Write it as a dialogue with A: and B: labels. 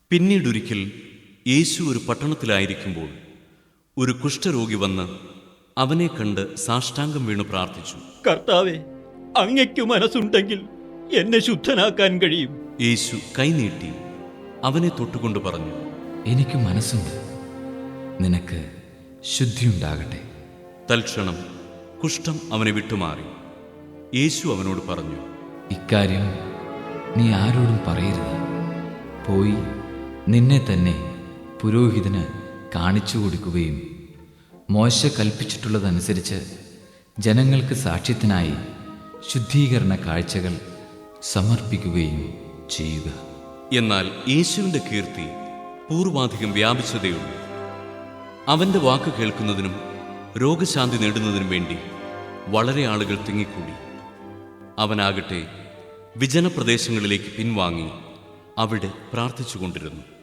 A: പിന്നീടൊരിക്കൽ യേശു ഒരു പട്ടണത്തിലായിരിക്കുമ്പോൾ ഒരു കുഷ്ഠരോഗി വന്ന് അവനെ കണ്ട് സാഷ്ടാംഗം വീണു പ്രാർത്ഥിച്ചു.
B: കർത്താവേ, അങ്ങയ്ക്കു മനസ്സുണ്ടെങ്കിൽ എന്നെ ശുദ്ധനാക്കാൻ കഴിയും.
A: യേശു കൈനീട്ടി അവനെ തൊട്ടുകൊണ്ട് പറഞ്ഞു,
C: എനിക്ക് മനസ്സുണ്ട്, നിനക്ക് ശുദ്ധിയുണ്ടാകട്ടെ.
A: തൽക്ഷണം കുഷ്ഠം അവനെ വിട്ടുമാറി. യേശു അവനോട് പറഞ്ഞു,
C: ഇക്കാര്യം നീ ആരോടും പറയരുത്. പോയി നിന്നെ തന്നെ പുരോഹിതന് കാണിച്ചു കൊടുക്കുകയും മോശ കൽപ്പിച്ചിട്ടുള്ളതനുസരിച്ച് ജനങ്ങൾക്ക് സാക്ഷ്യത്തിനായി ശുദ്ധീകരണ കാഴ്ചകൾ സമർപ്പിക്കുകയും ചെയ്യുക.
A: എന്നാൽ യേശുവിൻ്റെ കീർത്തി പൂർവാധികം വ്യാപിച്ചതേയുള്ളൂ. അവൻ്റെ വാക്ക് കേൾക്കുന്നതിനും രോഗശാന്തി നേടുന്നതിനും വേണ്ടി വളരെ ആളുകൾ തിങ്ങിക്കൂടി. അവനാകട്ടെ വിജനപ്രദേശങ്ങളിലേക്ക് പിൻവാങ്ങി അവിടെ പ്രാർത്ഥിച്ചുകൊണ്ടിരുന്നു.